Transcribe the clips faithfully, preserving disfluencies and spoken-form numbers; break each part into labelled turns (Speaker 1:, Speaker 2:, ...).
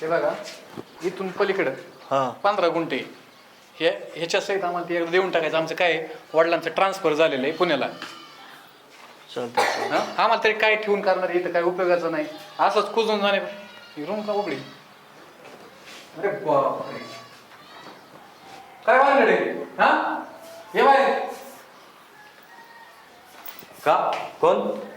Speaker 1: हे बघा इथून पलीकडं
Speaker 2: हा
Speaker 1: पंधरा गुंठे हे ह्याच्या सहित आम्हाला ते देऊन टाकायचं. आमचं काय आहे, वडिलांचं ट्रान्सफर झालेलं आहे पुण्याला.
Speaker 2: चालतंय
Speaker 1: हा आम्हाला तरी काय ठेवून करणार इथं काय उपयोगाचं नाही. असंच कुजून जाणे. ही रूम का उघडी? अरे बापरे काय वाजले हा हे बाय
Speaker 2: का कोण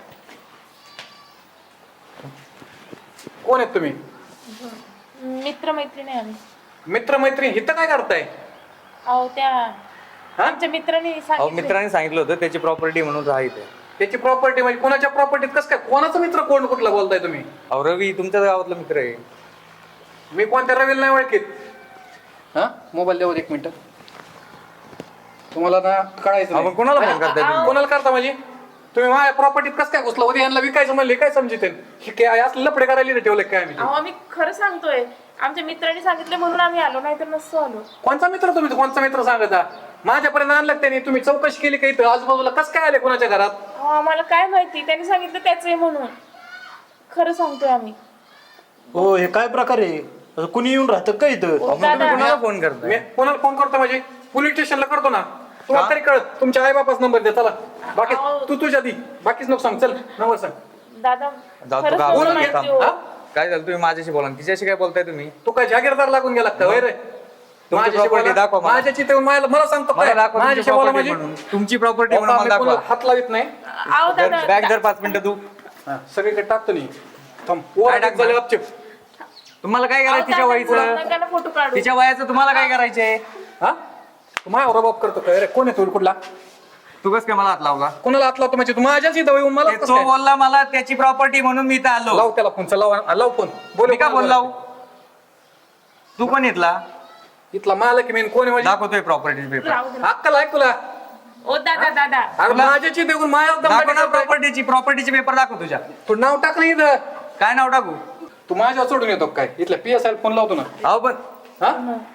Speaker 1: कोण आहेत तुम्ही?
Speaker 3: मित्र मैत्रिणी आम्ही.
Speaker 1: मित्र मैत्रीण इथं काय करताय?
Speaker 3: अहो त्या
Speaker 1: हा
Speaker 3: आमच्या मित्रांनी
Speaker 2: अहो
Speaker 3: सांगितलं.
Speaker 2: मित्रांनी सांगितलं होतं त्याची प्रॉपर्टी म्हणून राहते.
Speaker 1: त्याची प्रॉपर्टी म्हणजे कोणाच्या प्रॉपर्टीत कसं काय? कोणाचा मित्र कोण कुठला बोलताय तुम्ही?
Speaker 2: अहो रवी तुमच्याच गावातला मित्र आहे.
Speaker 1: मी कोणत्या रवीला नाही ओळखीत. हा मोबाईल द्यावर एक मिनिट. तुम्हाला ना कळायचं
Speaker 2: आपण
Speaker 1: नाही.
Speaker 2: कोणाला फोन करताय तुम्ही?
Speaker 1: कोणाला करता म्हणजे तुम्ही माझ्या प्रॉपर्टीत कसं काय घुसला होते? यांना विकायचं म्हणले काय समजिते? हे काय असलं लफडे करायला ठेवले काय आम्ही?
Speaker 3: अहो आम्ही खरं सांगतोय. आमच्या मित्रांनी सांगितलं म्हणून आम्ही आलो, नाही तर नसतो आलो.
Speaker 1: कोणचा मित्र तुम्ही? कोणचा मित्र सांगता? माझ्यापर्यंत आणलं त्याने. तुम्ही चौकशी केली का इथं आजूबाजूला कसं काय आले कोणाच्या घरात?
Speaker 3: अहो आम्हाला काय माहिती, त्यांनी सांगितलं त्याच आहे म्हणून. खरं सांगतोय आम्ही.
Speaker 4: हो हे काय प्रकार आहे? असं कुणी येऊन राहतं का इथं?
Speaker 3: ओ,
Speaker 2: मग तुम्ही
Speaker 3: दादा.
Speaker 2: कोणाला फोन
Speaker 1: मी
Speaker 2: करताय?
Speaker 1: कोणाला फोन करतो म्हणजे पोलीस स्टेशनला करतो ना. तुम्हाला तरी कळत. तुमच्या आई बापाच नंबर द्या. चला बाकी
Speaker 3: अहो.
Speaker 1: तू तुझ्या दी बाकीच नको सांग. चल नंबर सांग.
Speaker 3: दादा
Speaker 2: जाऊ
Speaker 3: खरंच
Speaker 2: तू गावाला
Speaker 3: नव्हतं
Speaker 1: बोला की.
Speaker 3: माहिती हो.
Speaker 1: हा?
Speaker 2: काय झालं तुम्ही माझ्याशी बोला ना. तिच्याशी काय बोलताय तुम्ही?
Speaker 1: तू काय जागीरदार लागून गेला का? होय रे माझ्याशी
Speaker 2: property
Speaker 1: बोला.
Speaker 2: दाखवा मला.
Speaker 1: माझ्याची ते मला मला सांगतो
Speaker 2: मला
Speaker 1: काय?
Speaker 2: दाखवा तुमची
Speaker 1: माझ्याशी बोला
Speaker 2: property
Speaker 1: म्हणजे
Speaker 2: म्हणून. तुमची प्रॉपर्टी म्हणून
Speaker 1: बाबा,
Speaker 2: मला
Speaker 1: मी कोणाला
Speaker 2: दाखवा.
Speaker 1: हात लावित नाही.
Speaker 3: अहो दादा
Speaker 2: बॅग जर पाच मिनिटं तू
Speaker 1: हा, सगळीकडे टाकतो नाही. थांब
Speaker 2: काय
Speaker 1: वर
Speaker 2: टाकणार?
Speaker 1: झाले गपचूप.
Speaker 2: तुम्हाला काय
Speaker 3: अहो,
Speaker 2: करायचं तिच्या
Speaker 3: दादा,
Speaker 2: वयाचं?
Speaker 3: नका ना फोटो काढू.
Speaker 2: तिच्या वयाचं तुम्हाला काय करायचंय?
Speaker 1: हा तू माझ्यावर बाप करतो काय रे? कोण आहे तू कुठला?
Speaker 2: तू कस काय मला हात लावला?
Speaker 1: कोणाला हात लावतो म्हणजे? तू माझ्याच इथं येऊन मला
Speaker 2: ते
Speaker 1: कसं
Speaker 2: तो
Speaker 1: काय?
Speaker 2: बोलला मला त्याची प्रॉपर्टी म्हणून मी इथं आलो.
Speaker 1: लाव त्याला फोन. चल लाव लाव फोन. बोल
Speaker 2: मी का फोन लावू? तू कोण इथला?
Speaker 1: इथला मालक मेन कोण आहे म्हणजे?
Speaker 2: दाखवतोय प्रॉपर्टी पेपर.
Speaker 3: राहू दे.
Speaker 1: अक्कल आहे तुला?
Speaker 3: ओ दादा दादा
Speaker 1: अरे माझ्याची देऊन माझ्या
Speaker 2: दाखव ना
Speaker 1: दमदाटी करतोय.
Speaker 2: प्रॉपर्टीची प्रॉपर्टीचे पेपर दाखव तुझ्या.
Speaker 1: तू नाव टाक नाही इथं.
Speaker 2: काय नाव टाकू?
Speaker 1: तू माझ्यावर सोडून येतो काय? इथल्या पी एस आय फोन लावतो ना.
Speaker 2: अहो पण
Speaker 1: हा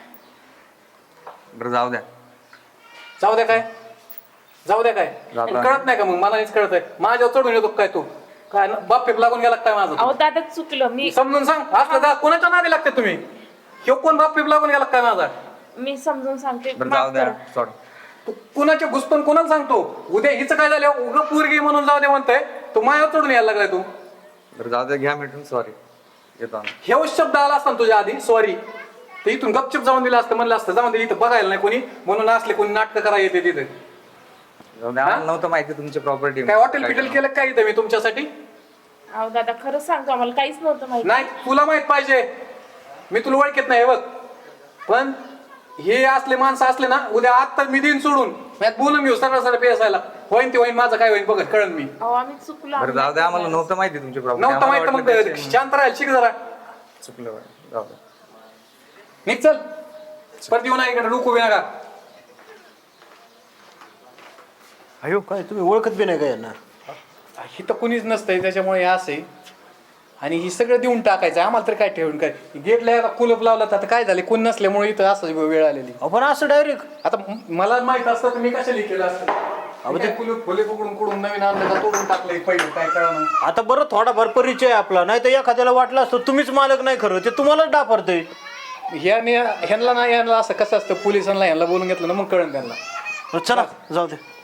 Speaker 2: बरं जाऊ द्या.
Speaker 1: जाऊ द्या काय? जाऊ द्या काय?
Speaker 2: जाऊ द्या.
Speaker 1: कळत नाही का मग? मला हेच कळत आहे. माझ्यावर चढून येतो काय तू? काय ना बाप फेक लागून गेला काय माझा?
Speaker 3: अहो दादा चुकलं. मी
Speaker 1: समजून सांग. असलं का कोणाच्या नादी लागते तुम्ही? ह्यो कोण बाप फेक लागून गेला काय माझा?
Speaker 3: मी समजून सांगते.
Speaker 2: बरं
Speaker 3: माफ
Speaker 2: जाऊ द्या
Speaker 3: करा.
Speaker 2: सोड.
Speaker 1: तू कुणाच्या घुसपण कोणाला सांगतो? उद्या हिचं काय झालं? उग पोरगी म्हणून जाऊ दे म्हणतोय. तू माझ्यावर चढून यायला लागलाय तू.
Speaker 2: बरं जाऊ द्या घ्या मिटून सॉरी येतो आम्ही.
Speaker 1: हे शब्द आला असता ना तुझ्या आधी सॉरी ते इथून गपचूप जाऊन दिलं असतं. म्हणलं असतं जाऊन दे इथं बघायला नाही कोणी म्हणून असले कोणी नाटक करायला येते तिथे.
Speaker 2: जाऊ द्या आम्हाला नव्हतं माहिती तुमची प्रॉपर्टी.
Speaker 1: काय हॉटेल पिटेल केलं काय इथं मी तुमच्यासाठी?
Speaker 3: अहो दादा खरंच सांगतो, आम्हाला काहीच नव्हतं माहिती.
Speaker 1: नाही तुला माहित पाहिजे. मी तुला ओळखत नाही बघ. पण हे असले माणसं असले ना उद्या आता मी देईन सोडून. यात बोलून घेऊ सरळ सरळ पेसायला. होईन ते होईन माझं काय होईन बघत कळन मी.
Speaker 3: अहो आम्ही चुकलो.
Speaker 2: बरं जाऊ द्या आम्हाला नव्हतं माहिती तुमची प्रॉपर्टी.
Speaker 1: नव्हतं माहित तर मग शांत राहायला शिक जरा.
Speaker 2: चुकलं बरं. जाऊ द्या.
Speaker 1: निघ चल. परत येऊ नका इकडे डोकू बी नका.
Speaker 4: अयो काय तुम्ही ओळखत बी नाही का यांना?
Speaker 1: इथं कुणीच नसतंय त्याच्यामुळे हे असं आहे. आणि ही सगळं देऊन टाकायचं आम्हाला तर काय ठेवून काय? गेटला आता कुलप लावला तर आता काय झाले? कोण नसल्यामुळे इथं असं वेळ आलेली.
Speaker 4: आपण असं डायरेक्ट
Speaker 1: आता म- मला माहित असतं तर मी कशाला केलं असतं? अहो ते कुलूप फुले पकडून कुडून नवीन आणलं का तोडून टाकलंय पहिलं काय कळलं?
Speaker 4: आता बरं थोडाफार परिचय आहे आपला, नाही तर एखाद्याला वाटलं असतं तुम्हीच मालक नाही खरं ते तुम्हालाच डापरतंय.
Speaker 1: ह्याने ह्यांना नाही ह्यांना असं कसं असतं पोलिसांना ह्यांना बोलून घेतलं ना मग कळण त्यांना.
Speaker 4: चला जाऊ दे.